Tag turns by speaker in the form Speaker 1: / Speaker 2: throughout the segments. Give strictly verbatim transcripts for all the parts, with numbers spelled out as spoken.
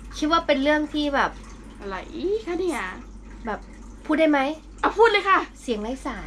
Speaker 1: คิดว่าเป็นเรื่องที่แบบ
Speaker 2: อะไรคะเนี่ย
Speaker 1: แบบพูดได้ไหม
Speaker 2: เอาพูดเลยค่ะ
Speaker 1: เสียงไร้สาย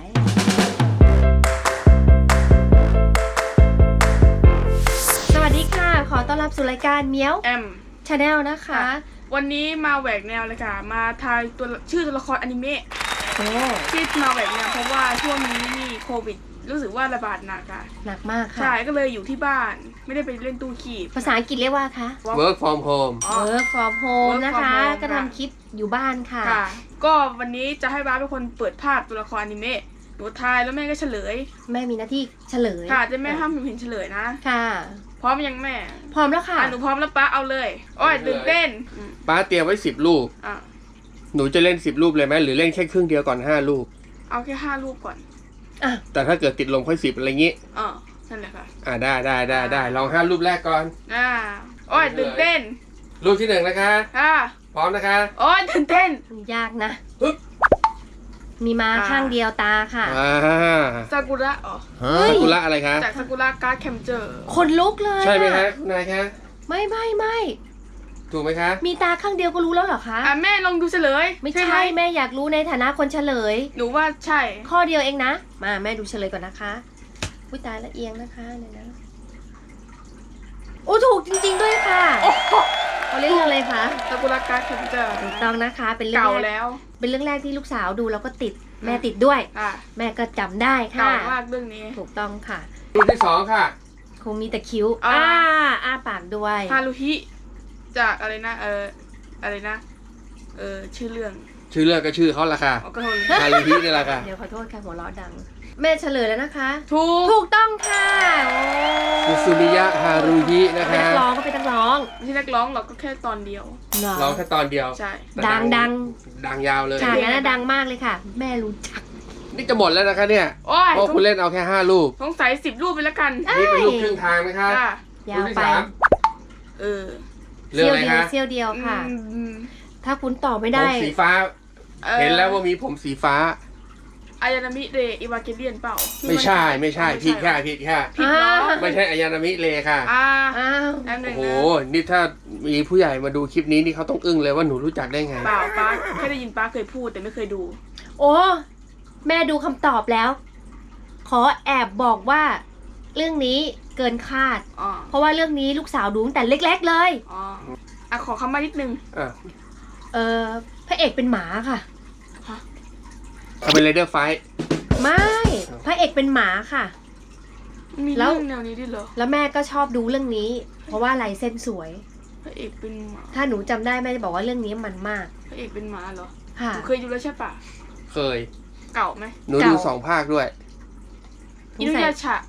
Speaker 1: สวัสดีค่ะ ขอต้อนรับสู่รายการเมียว
Speaker 2: แอม
Speaker 1: ชาแนลนะคะ
Speaker 2: วันนี้มาแหวกแนวเลยค่ะ มาทายตัวชื่อตัวละครอนิเมะ
Speaker 1: โอ้
Speaker 2: ที่มาแหวกแนวเพราะว่าช่วงนี้นี่โควิด รู้สึกว่าระบาดหนักค่ะ
Speaker 1: หนักมากค่ะ
Speaker 2: ใช่ก็เลยอยู่ที่บ้าน ไม่ได้ไปเล่นตู้คีบ
Speaker 1: ภาษาอังกฤษเรียกว่าคะ
Speaker 3: work from home
Speaker 1: work from home
Speaker 2: Work
Speaker 1: นะคะ
Speaker 2: from home
Speaker 1: ก็ทำคลิปอยู่บ้านค่ะ
Speaker 2: ค่ะ ก็วันนี้จะให้บ้าสเป็นคนเปิดภาพตัวละครอนิเมะหนูทายแล้วแม่ก็เฉลย
Speaker 1: แม่มีหน้าที่เฉลย
Speaker 2: ค่ะจะแม่ห้ามหนูเห็นเฉลยนะ
Speaker 1: ค่ะ
Speaker 2: พร้อมยังแม่
Speaker 1: พร้อมแล้วค่ะ
Speaker 2: อ่ะหนูพร้อมแล้วป้าเอาเลยโอ้ยตื่นเต้นอืม
Speaker 3: ป้าเตรียมไว้สิบลูก
Speaker 2: อ่ะ
Speaker 3: หนูจะเล่นสิบลูกเลยไหมหรือเล่นแค่ครึ่งเดียวก่อนห้าลูก
Speaker 2: เอาแค่ห้าลูกก่อน
Speaker 1: อ่ะ
Speaker 3: แต่ถ้าเกิดติดลมค่อยสิบอะไรงี้
Speaker 2: เออนั่นแหละค่ะ
Speaker 3: อ่าได้ได้ได้ได้ลองห้าลูกแรกก่อน
Speaker 2: อ่าโอ้ยตื่นเต้น
Speaker 3: ลูกที่หนึ่งนะคะ
Speaker 2: อ่า
Speaker 3: พร้อมนะคะ
Speaker 2: โอ้ยตื่นเต้น
Speaker 1: ยากนะ
Speaker 3: ฮึบ
Speaker 1: มีมา
Speaker 2: อ่า
Speaker 1: ข้างเดียวตาค่ะ
Speaker 3: อ่า
Speaker 2: ซากุระอ๋อ
Speaker 1: เฮ้ย
Speaker 3: ซากุระอะไรคะ
Speaker 2: จากซากุระการ์ดแคมเจอร์
Speaker 1: คนลุกเลย
Speaker 3: ใช่ไหม
Speaker 1: อ
Speaker 3: คะนายคะ
Speaker 1: ไม่ไม่ไม่
Speaker 3: ถูกไหมคะ
Speaker 1: มีตาข้างเดียวก็รู้แล้วเหรอคะ
Speaker 2: อ่ะแม่ลองดูเฉลย
Speaker 1: ไม่
Speaker 2: ไห
Speaker 1: ใช่แม่อยากรู้ในฐานะคนเฉลย
Speaker 2: หนูว่าใช่
Speaker 1: ข้อเดียวเองนะ มาแม่ดูเฉลยก่อนนะคะอุ้ยตายละเอียงนะคะเนี่ยนะโอ้ถูกจริง ๆด้วยค่ะ
Speaker 2: โอ้โห
Speaker 1: เขาเล่นเรื่องอะไรคะ
Speaker 2: ซากุระการ์ดแคมเจอร์
Speaker 1: ถูกต้องนะคะ เป็นเรื่อง
Speaker 2: เก่า
Speaker 1: แรก
Speaker 2: แล้ว
Speaker 1: เป็นเรื่องแรกที่ลูกสาวดูแล้วก็ติด แม่ติดด้วย
Speaker 2: อ่ะ
Speaker 1: แม่ก็จำได้
Speaker 2: เก่า
Speaker 1: ค่ะ
Speaker 2: มากเรื่องนี้
Speaker 1: ถูกต้องค่ะ
Speaker 3: ลูกที่สองค่ะ
Speaker 1: คงมีแต่คิ้ว
Speaker 2: อ่า
Speaker 1: อ้าอ้าปากด้วย
Speaker 2: ฮารุฮิจากอะไรนะเอออะไรนะเออชื่อเรื่อง
Speaker 3: ชื่อเรื่องก็ชื่อเขาละค่ะ
Speaker 2: อ๋อก็โทน
Speaker 3: ฮารุฮินี่แหละค่ะ
Speaker 1: เดี๋ยวขอโทษค่ะหัวเราะดัง แม่เฉลยแล้วนะคะ
Speaker 2: ถูก
Speaker 1: ถูกต้องค่ะโอ้
Speaker 3: ซูซูมิยะฮารุฮินะ
Speaker 1: เป็น
Speaker 3: คะ
Speaker 1: นักร้องก็เป็นนักร้อง
Speaker 2: ไม่ใช่นักร้องหรอกก็แค่ตอนเดียว
Speaker 1: เหรอ
Speaker 3: ร้องแค่ตอนเดียว
Speaker 2: ใช่
Speaker 1: ดังดัง
Speaker 3: ดังยาวเลย
Speaker 1: ฉากนั้นนะดังมากเลยค่ะ แม่รู้จัก
Speaker 3: นี่จะหมดแล้วนะคะเนี่ย
Speaker 2: โอ้ย
Speaker 3: เพราะคุณเล่นเอาแค่ห้าลูก
Speaker 2: สงสัยสิบรูปไปแล้วกัน
Speaker 3: นี่เป็นลูกครึ่งทางนะคะ
Speaker 2: ค่ะ
Speaker 1: ยาวไป
Speaker 3: ลูกที่สาม
Speaker 2: เออ
Speaker 3: เรื่อง
Speaker 1: เซี่ยว
Speaker 3: อะไร
Speaker 1: เดียว
Speaker 3: คะ
Speaker 1: เซี่ยวเดียวค่ะ
Speaker 2: อืม
Speaker 1: ถ้าคุณตอบไม่
Speaker 3: ผ
Speaker 1: ได้
Speaker 3: มสีฟ้า
Speaker 2: อ่อ
Speaker 3: เห็นแล้วว่ามีผมสีฟ้า
Speaker 2: อายานามิเรอิวาเกเลียนเปล่าที่
Speaker 3: ไม่ใช่ไม่ใช่
Speaker 2: อ๋อ
Speaker 3: ผิดค่ะผิดค่ะ
Speaker 2: ผิดเหรอ
Speaker 1: อ่า
Speaker 3: ไม่ใช่อายานามิเลค่ะ
Speaker 2: อ่า
Speaker 1: อ้าว
Speaker 2: แป๊บนึ
Speaker 3: โอ้
Speaker 2: ง
Speaker 3: โห
Speaker 2: นะ
Speaker 3: นี่ถ้ามีผู้ใหญ่มาดูคลิปนี้นี่เขาต้องอึ้งเลยว่าหนูรู้จักได้ไง
Speaker 2: เปล่าป้าแค่ได้ยินป้าเคยพูดแต่ไม่เคยดู
Speaker 1: โอ้แม่ดูคำตอบแล้ว ขอแอบบอกว่า เรื่องนี้เกินคาด
Speaker 2: อ๋อ
Speaker 1: เพราะว่าเรื่องนี้ลูกสาวดูตั้งแต่เล็ก ๆ เลย
Speaker 2: อ๋ออ่ะขอคำมานิดนึง
Speaker 3: อ่ะ
Speaker 1: เออพระเอกเป็นหมาค่ะ
Speaker 3: เขาเป็นเรเดอร์ไฟท์
Speaker 1: ไม่พระเอกเป็นหมาค่ะ
Speaker 2: มี
Speaker 1: แล้ว
Speaker 2: เรื่องแนวนี้ด้วยเหรอ
Speaker 1: แล้วแม่ก็ชอบดูเรื่องนี้ เพราะว่าลายเส้นสวย
Speaker 2: พระเอกเป็นหมา
Speaker 1: ถ้าหนูจำได้แม่จะบอกว่าเรื่องนี้มันมาก
Speaker 2: พระเอกเป็นหมาเหรอ
Speaker 1: ค่ะ
Speaker 2: หนูเคยดูแล้วใช่ปะ
Speaker 3: เคย
Speaker 2: เก่าไหม
Speaker 3: หนูดูสองภาคด้วย
Speaker 2: อินุยาชะ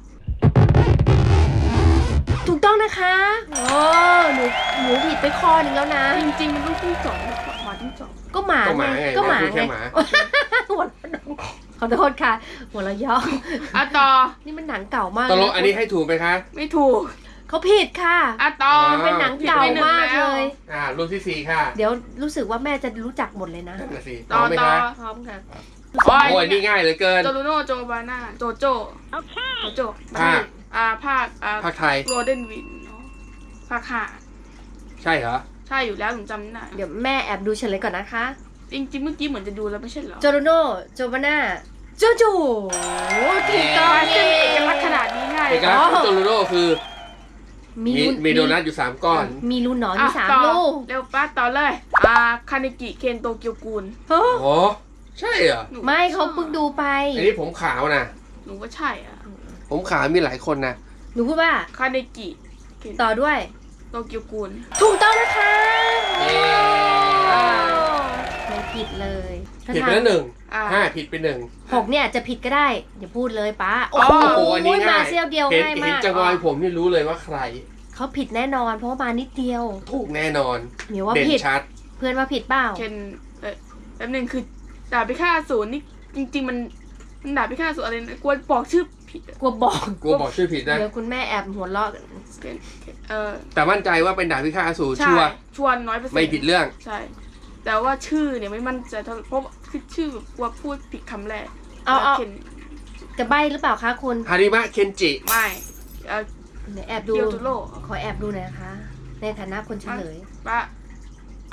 Speaker 1: ถูกต้องนะคะโอ้หนูหนูผิดไปข้อหนึงแล้วนะ
Speaker 2: จริงๆมันต้องที่สองหมาที่สอง
Speaker 1: ก็หมา
Speaker 3: ก็หมา
Speaker 1: ไง
Speaker 3: ไง
Speaker 1: ก็หมา
Speaker 3: แม่พูดแค่
Speaker 1: ไง
Speaker 3: หมา
Speaker 1: หัวเราะขอโทษค่ะ หัวเราะย่อ
Speaker 2: อ่ะต่อ
Speaker 1: นี่มันหนังเก่ามาก
Speaker 3: ตกลงอันนี้ให้ถูกไหมคะ
Speaker 2: ไม่ถูก
Speaker 1: เขาผิดค่ะ
Speaker 2: อ่ะต่อ
Speaker 3: อ่า
Speaker 1: เป็นหนังเก่ามากเลย
Speaker 3: อ่าลูกที่สี่ค่ะ
Speaker 1: เดี๋ยวรู้สึกว่าแม่จะรู้จักหมดเลยนะ
Speaker 3: นั่นน่ะสิพ
Speaker 2: ต่
Speaker 3: ร้
Speaker 2: อ
Speaker 3: อมไหม
Speaker 2: ต่อ
Speaker 3: คะ
Speaker 1: พร้อมค่ะ
Speaker 2: โอ้ย
Speaker 3: โอ้ยนี่ง่ายเหลือเกิน
Speaker 2: โจลูโน่โจบาน่าโจโจโจโจ
Speaker 3: ภาค
Speaker 2: อ่าภาคอ่า
Speaker 3: ภาคไทย
Speaker 2: โรเดนวินเนาะภาคห้า
Speaker 3: ใช่เหรอ
Speaker 2: ใช่อยู่แล้วหนูจำไม่ได้
Speaker 1: เดี๋ยวแม่แอบดูเฉลยก่อนนะคะ
Speaker 2: จริงๆเมื่อกี้เหมือนจะดูแล้วไม่ใช่เหรอ
Speaker 1: โจโรโนโจบาน่าโจโจถูกต้อง
Speaker 2: ป้า
Speaker 1: เย้
Speaker 2: จะมีเอกลักษณ์ขนาดนี้ง่าย
Speaker 3: เอกลักษณ์ของโจโรโร่คือ
Speaker 1: มี
Speaker 3: มี
Speaker 1: รู
Speaker 3: มีโดนัทอยู่สามก้อน
Speaker 1: มีรูหนอนอ
Speaker 2: อ่ะ
Speaker 1: ยู่สาม
Speaker 2: ต่อ
Speaker 1: ลูก
Speaker 2: เร็วป้าต่อเลย อ่าคาเนกิเคนโตเกียวกูล
Speaker 1: เฮ้ย
Speaker 3: โอ้ใช่เหรอ
Speaker 2: หนู
Speaker 1: ไม่เขาเพิ่งดูไป
Speaker 3: อันนี้ผมขาวนะ
Speaker 2: หนูว่าใช่อ่ะ
Speaker 3: ผมขาวมีหลายคนนะ
Speaker 1: หนูพูดว่า
Speaker 2: คาเนกิเคน
Speaker 1: ต่อด้วย
Speaker 2: โตเกียวกูล
Speaker 1: ถูกต้องนะคะ
Speaker 3: เย้
Speaker 2: อ่า
Speaker 1: ไม่ผิดเลย
Speaker 3: ผิดไปแล้วหนึ่ง
Speaker 2: อ่า
Speaker 3: ห้าผิดไปหนึ่ง
Speaker 1: หกเนี่ยจะผิดก็ได้ อย่าพูดเลยป้า โอ้
Speaker 2: อ๋อ
Speaker 1: โห
Speaker 3: โอ้โหอันนี้ง่าย
Speaker 1: มาเซียวเดียว
Speaker 3: เห็น
Speaker 1: ง่าย
Speaker 3: เห็น
Speaker 1: มาก
Speaker 3: จังรอยผมนี่รู้เลยว่าใคร
Speaker 1: เขาผิดแน่นอน เพราะว่ามานิดเดียว
Speaker 3: ถูกแน่นอน
Speaker 1: เหมียวว่า
Speaker 3: เด่น
Speaker 1: ผิด
Speaker 3: ชัด
Speaker 1: เพื่อนว่าผิดเปล่า
Speaker 2: เคนเออแป๊บนึงคือดาบพิฆาตอสูรนี่จริง ๆ มันมันดาบพิฆาตอสูรอะไรนะกลัวบอกชื่อผิดอะ
Speaker 1: กลัวบอก
Speaker 3: กูบอกชื่อผิดนะ
Speaker 1: เดี๋ยวคุณแม่แอบหัวเราะ
Speaker 2: เคนเคนเออ
Speaker 3: แต่มั่นใจว่าเป็นดาบพิฆาตอสูร
Speaker 2: ใช่
Speaker 3: ชัวร์
Speaker 2: ชวนน้อยเปอร์เซ็นต์
Speaker 3: ไม่ผิดเรื่อง
Speaker 2: ใช่ แต่ว่าชื่อเนี่ยไม่มั่นใจเท่าเพราะคือชื่อแบบกลัวพูดผิดคำแรก
Speaker 1: เอาเอา
Speaker 2: เคน
Speaker 1: จะใบ้หรือเปล่าคะคุณ
Speaker 3: ฮาริมะเคนจิ
Speaker 2: ไม่เออ
Speaker 1: เดี๋ยวแอบดู
Speaker 2: เกียวตุโร่
Speaker 1: ขอแอบดูหน่อยนะคะ ในฐานะคนเฉลย
Speaker 2: ป้า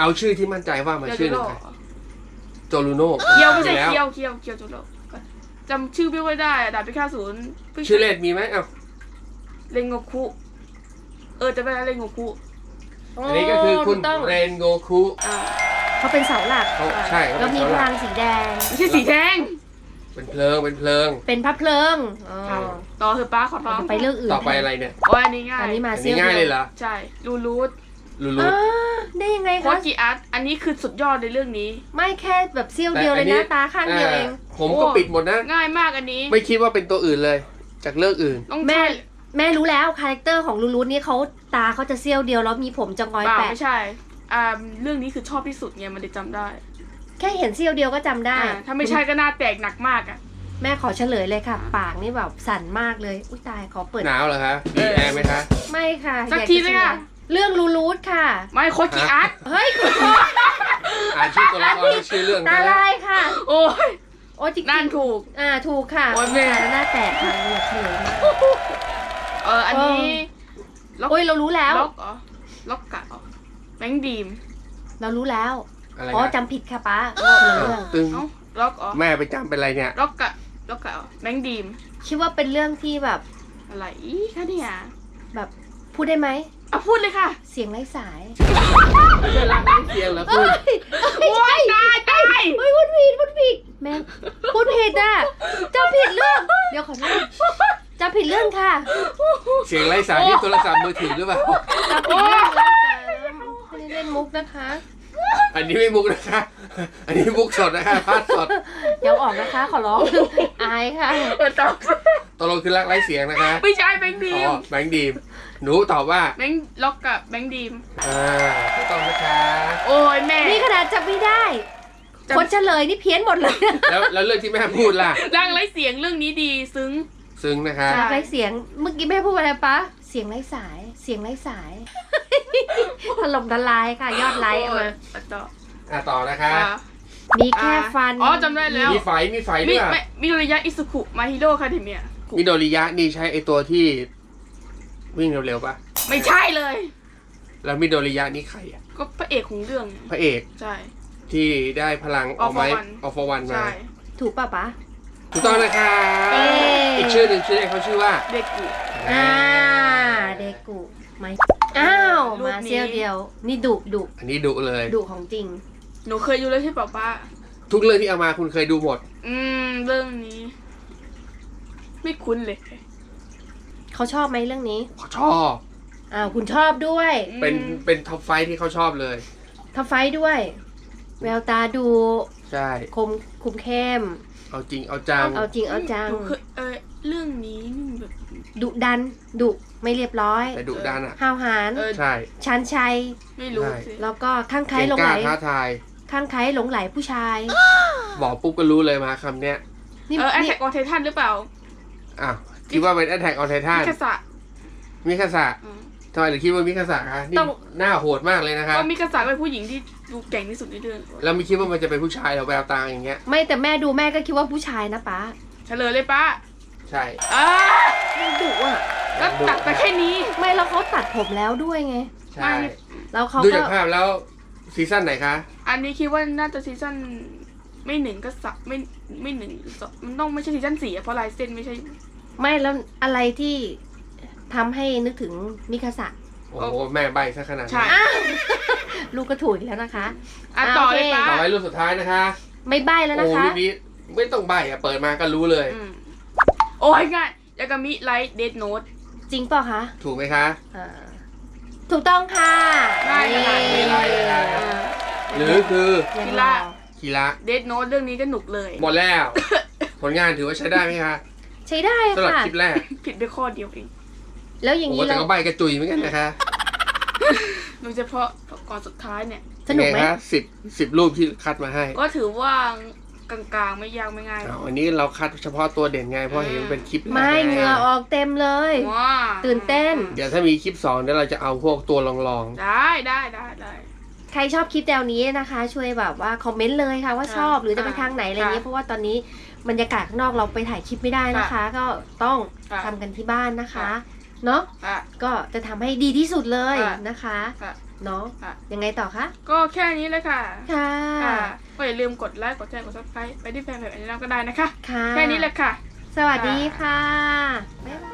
Speaker 3: เอาชื่อที่มั่นใจว่ามา
Speaker 2: เกียว
Speaker 3: ชื่
Speaker 2: จู
Speaker 3: อห
Speaker 2: โร่
Speaker 3: นึ่งค่ะโจลูโน่
Speaker 2: เกียวไม่ใช่
Speaker 3: แล้ว
Speaker 2: เกียวเกียวเกียวจูโร่จำชื่อไม่ค่อยได้อะดาบพิฆาตศูนย์พิ่ง
Speaker 3: ชื่อเล่นมีไหมเอ้า
Speaker 2: เรนโงคุเออจะเป็นอะไรเรนโงคุ
Speaker 3: อันนี้ก็คือคุณ
Speaker 1: ถูกต้อง
Speaker 3: เรนโงคุ
Speaker 2: อ่า
Speaker 1: เขาเป็นเสาหลัก
Speaker 3: เขาใช่เขา
Speaker 1: แล้ว
Speaker 3: เป็น
Speaker 1: มี
Speaker 3: เสา
Speaker 1: พ
Speaker 3: หลั
Speaker 1: ลั
Speaker 3: ก
Speaker 1: งสีแดง
Speaker 2: ไม่ใช่สีแดง
Speaker 3: เป็นเพลิงเป็นเพลิง
Speaker 1: เป็นพระเพลิงอ๋อ
Speaker 2: ต่อเถอะป้าขอร้อง
Speaker 1: ไปเรื่องอื่น
Speaker 3: ต่อไปอะไรเนี่ย
Speaker 2: โอ้ยอันนี้ง่าย
Speaker 1: อันนี้มา
Speaker 3: อัน
Speaker 1: เซี่
Speaker 3: นี้
Speaker 1: ยว
Speaker 3: ง่ายเลยเหรอ
Speaker 2: ใช่รูรูท
Speaker 3: ลู
Speaker 1: อ่า
Speaker 3: ลู
Speaker 1: ได้ยังไง
Speaker 2: โค
Speaker 1: คะ
Speaker 2: จิอาร์ตอันนี้คือสุดยอดในเรื่องนี้
Speaker 1: ไม่แค่แบบเซี่ยวเดียวเลยนะตาข้างเดียวเอง
Speaker 3: ผมก็ปิดหมดนะ
Speaker 2: ง่ายมากอันนี้
Speaker 3: ไม่คิดว่าเป็นตัวอื่นเลย จากเรื่องอื่น
Speaker 2: ต้อง
Speaker 1: แม่
Speaker 2: ใช่
Speaker 1: แม่รู้แล้วคาแรคเตอร์ของลูลูนี่เขาตาเขาจะเซี่ยวเดียวแล้วมีผมจะงอย
Speaker 2: เปล่า
Speaker 1: แปะ
Speaker 2: ไม่ใช่อ่าเรื่องนี้คือชอบที่สุดไงมันเลยจำได้
Speaker 1: แค่เห็นเซี่ยวเดียวก็จำได้
Speaker 2: อ่าถ้าไม่ใช่ก็หน้าแตกหนักมากอ่ะ
Speaker 1: แม่ขอเฉลยเลยค่ะ ปากนี่แบบสั่นมากเลยอุ้ยตายขอเปิด
Speaker 3: หนาวเหรอคะมีแอร์ไหมคะ
Speaker 1: ไม่ค่ะ
Speaker 2: สัก
Speaker 1: อยา
Speaker 2: ที
Speaker 1: จะ
Speaker 2: เลยค่ะ
Speaker 1: เฉลยเรื่องลูลูค่ะ
Speaker 2: ไม่โคจิอาร์ต
Speaker 1: เฮ้ยคุณพ่อ
Speaker 3: อ่านชื่อตัวละครและชื่อเรื่อง
Speaker 1: ตา
Speaker 3: ได้แล้ว
Speaker 1: ลายค่ะ
Speaker 2: โอ้ย
Speaker 1: โอ้จริงๆ
Speaker 2: นั่นถูก
Speaker 1: อ่าถูกค่ะ
Speaker 2: โอ้ยแม่
Speaker 1: หน้าแตกค่ะอยากเฉลยมาก
Speaker 2: เอออันนี้ล็อก
Speaker 1: โอ้ยเรารู้แล้ว
Speaker 2: ล็อกเหรอล็อกกะเหรอแบงค์ดีม
Speaker 1: เรารู้แล้ว
Speaker 3: อะไร
Speaker 1: อ๋อ
Speaker 3: นะ
Speaker 1: จำผิดค่ะป้าคนละเรื่อง
Speaker 3: ตึง
Speaker 2: เอ้าล็อกเหรอ
Speaker 3: แม่ไปจำเป็นอะไรเนี่ย
Speaker 2: ล็อกกะล็อกกะเหรอแบงค์ดีม
Speaker 1: คิดว่าเป็นเรื่องที่แบบ
Speaker 2: อะไรอีคะเนี่ย
Speaker 1: แบบพูดได้ไหม
Speaker 2: อ่ะพูดเลยค่ะ
Speaker 1: เสียงไร้สาย
Speaker 3: เรื่องรักไม่เคียงแล้วคุณ
Speaker 2: โอ้ยตายตาย
Speaker 1: เฮ้ยพูดผิดพูดผิดแม่พูดผิดอ่ะจำผิดเรื่องเดี๋ยวขอโทษจำผิดเรื่องค่ะ
Speaker 3: เสียงไร้สายที่โทรศัพท์มือถือหรือเปล่า
Speaker 1: จำผิดเรื่องแล้วค่ะไม่ได้เล่นมุกนะคะ
Speaker 3: อันนี้ไม่มุกนะคะ อันนี้มุกสดนะคะพาดสด
Speaker 1: เดี๋ยวออกนะคะ ขอร้อง อายค่ะ
Speaker 2: เออตอบ
Speaker 3: ตกลงคือรักไร้เสียงนะคะ
Speaker 2: ไม่ใช่แบงค์ดี
Speaker 3: อ๋
Speaker 2: ม
Speaker 3: อแบงค์ดีมหนูตอบว่า
Speaker 2: แบงค์ล็อกกับแบงค์ดีม
Speaker 3: อ่าถูกต้องนะคะ
Speaker 2: โอ้ยแม่
Speaker 1: นี่ขนาดจำไม่ได้
Speaker 2: จำ
Speaker 1: คนเฉลยนี่เพี้ยนหมดเลย
Speaker 3: แล้วแล้วเรื่องที่แม่พูดล่ะ
Speaker 2: ร่างไร้เสียงเรื่องนี้ดีซึ้ง
Speaker 3: ซึ้งนะคะ
Speaker 2: ใช่
Speaker 1: ไร้เสียง เมื่อกี้แม่พูดอะไรปะเสียงไร้สาย เสียงไร้สาย ถล่มทลายค่ะ ยอดไลค์เอามา
Speaker 2: โอ้ยต่อ
Speaker 3: อ่ะต่อนะคะ
Speaker 2: อ่ะ
Speaker 1: มีแค่ฟัน
Speaker 2: อ๋อจำได้แล้ว
Speaker 3: มีไฟมีไฟด้
Speaker 2: มิ
Speaker 3: วยอ่ะ
Speaker 2: ไม่มิโดริยะอิสุคุมาฮิโร่คาเดเมีย
Speaker 3: มิโดริยะนี่ใช้ไอตัวที่วิ่งเร็วๆปะ
Speaker 2: ไม่ใช่เลย
Speaker 3: แล้วมิโดริยะนี่ใครอ่ะ
Speaker 2: ก็พระเอกของเรื่อง
Speaker 3: พระเอก
Speaker 2: ใช่
Speaker 3: ที่ได้พลังออกไม้
Speaker 2: All for One
Speaker 3: ออฟวันมา
Speaker 2: ใช่
Speaker 1: ถูกป่ะปะ
Speaker 3: ถูกต้องนะคะ
Speaker 1: เอ๊ะ
Speaker 3: อีกชื่อหนึ่งชื่อเล่นเขาชื่อว่า
Speaker 2: เด็กกู
Speaker 1: อ่า เดกุไม่อ้าว
Speaker 2: รูป
Speaker 1: มา
Speaker 2: นี้
Speaker 1: เซียวเดียว นี่ดุดุ
Speaker 3: อันนี้ดุเลย
Speaker 1: ดุของจริง
Speaker 2: หนูเคยดูแล้วใช่เปล่าป้า
Speaker 3: ทุกเรื่องที่เอามาคุณเคยดูหมด
Speaker 2: อืมเรื่องนี้ ไม่คุ้นเลย
Speaker 1: เขาชอบไหมเรื่องนี้
Speaker 3: ชอบ
Speaker 1: อ้าวคุณชอบด้วย
Speaker 3: เป็น
Speaker 2: อืม
Speaker 3: เป็นท็อปไฟท์ที่เขาชอบเลย
Speaker 1: ทัฟไฟท์ด้วย แววตาดู
Speaker 3: ใช่
Speaker 1: คมคุมเข้ม
Speaker 3: เอาจริงเอาจัง
Speaker 1: เอาจริงเอาจัง
Speaker 2: หนูเคยเออเรื่องนี้นี่แบบ
Speaker 1: ดุดัน ดุไม่เรียบร้อย
Speaker 3: แต่ดุดันอ่ะ
Speaker 1: ห้าวหาญ
Speaker 2: เออ
Speaker 3: ใช่
Speaker 1: ชันชัย
Speaker 2: ไม่รู้
Speaker 3: ใช่
Speaker 2: สิ
Speaker 1: แล้วก็ข้างใคร
Speaker 3: เก่ง
Speaker 1: หลง
Speaker 3: ก
Speaker 1: ไหล
Speaker 3: ล้าท้าทาย
Speaker 1: ข้างใครหลงไหลผู้ชาย
Speaker 3: บอกปุ๊บก็รู้เลยมาคำเนี้ย
Speaker 1: นี่
Speaker 2: เออแอค
Speaker 1: นี่
Speaker 2: แท็กออนไททันหรือเปล่า
Speaker 3: อ้าวคิดว่าเป็น Attack on Titan
Speaker 2: มิคาสะ
Speaker 3: มิคาสะ
Speaker 2: อืม
Speaker 3: ทำไมถึงคิดว่ามิคาสะคะนี่หน้าโหดมากเลยนะคะ
Speaker 2: ก็มิคาสะเป็นผู้หญิงที่ดูเก่งที่สุดในเรื่อง
Speaker 3: แล้วไม่คิดว่ามันจะเป็นผู้ชายเราแววตาอย่างเงี้ย
Speaker 1: ไม่แต่แม่ดูแม่ก็คิดว่าผู้ชายนะป๊า
Speaker 2: เฉลยเลยป้า
Speaker 3: ใช่
Speaker 2: อ่า
Speaker 1: มันดุอ่ะ
Speaker 2: ก็ตัดไปแค่นี้
Speaker 1: ไม่แล้วเขาตัดผมแล้วด้วยไง
Speaker 3: ใช่
Speaker 1: แล้วเขา
Speaker 3: ดู
Speaker 1: ก็
Speaker 3: จากภาพแล้วซีซั่นไหนคะ
Speaker 2: อันนี้คิดว่าน่าจะซีซั่นไม่หนึ่งก็สักไม่ไม่หนึ่งสองมันต้องไม่ใช่ซีซั่นสี่อะเพราะลายเส้นไม่ใช่
Speaker 1: ไม่แล้วอะไรที่ทำให้นึกถึงมิคาสะ
Speaker 3: โอ้โหแม่ใบซะขนาด
Speaker 2: ใช่
Speaker 3: นี้
Speaker 1: อ้าวลูกก็ถูกอีกแล้วนะคะ
Speaker 2: อ่ะ
Speaker 1: อ่ะ
Speaker 2: ต่อ
Speaker 1: โอเค
Speaker 2: เลยป้า
Speaker 3: ต่อไปรูปสุดท้ายนะคะ
Speaker 1: ไม่ใบ้แล้วนะ
Speaker 3: โอ้
Speaker 1: คะ
Speaker 3: รูปนี้ไม่ต้องใบอะเปิดมาก็รู้เลย
Speaker 2: อืมโอ้ยง่ายยากามิไลท์เดดโนต
Speaker 1: จริงเปล่าคะ
Speaker 3: ถูกไหมคะ
Speaker 1: อ่าถูกต้องค่ะ
Speaker 2: ง่ายขนาดนี้
Speaker 1: เย้
Speaker 3: หรือคือ
Speaker 1: ยัง
Speaker 2: กี
Speaker 1: ร
Speaker 2: ฬา
Speaker 1: อ
Speaker 3: คีระ
Speaker 2: เดดโนตเรื่องนี้ก็หนุกเลย
Speaker 3: หมดแล้ว ผลงานถือว่าใช้ได้ไหมคะ
Speaker 1: ใช้ได้
Speaker 3: สำหรับ
Speaker 1: ค่ะ
Speaker 3: คลิปแรก
Speaker 2: ผิดไปข้อเดียวเอง
Speaker 1: แล้วอย่าง
Speaker 3: โอ้
Speaker 1: นี้
Speaker 3: แต่
Speaker 1: เรา
Speaker 3: ก็ใบกระจุยเหมือนกันนะคะ
Speaker 2: โดยเฉพาะก่อนสุดท้ายเนี่ย
Speaker 1: สนุกไหม
Speaker 3: เป็งคะสิบสิบรูปที่คัดมาให้
Speaker 2: ก็ถือว่ากลางๆไม่ยากไม่ง่ายหร
Speaker 3: อ้า
Speaker 2: อ
Speaker 3: ว
Speaker 2: ก
Speaker 3: อันนี้เราคัดเฉพาะตัวเด่นไงเพราะเห็นมันเป็นคลิปแรก
Speaker 1: ไม่เหงื่อออกเต็มเลย
Speaker 2: ว้า
Speaker 1: ตื่นเต้น
Speaker 3: เดี๋ยวถ้ามีคลิปสองเดี๋ยวเราจะเอาพวกตัวลอง
Speaker 2: ได้ได้ได้ได้
Speaker 1: ใครชอบคลิปแนวนี้นะคะ ช่วยแบบว่าคอมเมนต์เลยค่ะว่า
Speaker 2: ค่ะ
Speaker 1: ชอบหรือจะไปทางไหนอะไรเงี้ย
Speaker 2: ค่ะ
Speaker 1: เพราะว่าตอนนี้บรรยากาศข้างนอกเราไปถ่ายคลิปไม่ได้นะคะ ก็ต้อง
Speaker 2: ค่ะ
Speaker 1: ทำกันที่บ้านนะคะ
Speaker 2: ค่ะ
Speaker 1: เนาะ
Speaker 2: อ่ะ
Speaker 1: ก็จะทำให้ดีที่สุดเลย
Speaker 2: ค่ะ
Speaker 1: นะคะ
Speaker 2: ค่ะ
Speaker 1: เนาะ
Speaker 2: ค่ะ
Speaker 1: ยังไงต่อคะ
Speaker 2: ก็แค่นี้เลยค่ะ
Speaker 1: ค่ะ
Speaker 2: ค่ะก็อย่าลืมกดไลค์กดแชร์กดซับสไครต์ไปที่แฟนเพจอันนี้ก็ได้นะคะ
Speaker 1: ค่ะ
Speaker 2: แค่นี้เลยค่ะ
Speaker 1: สวัสดีค่ะ บ๊ายบาย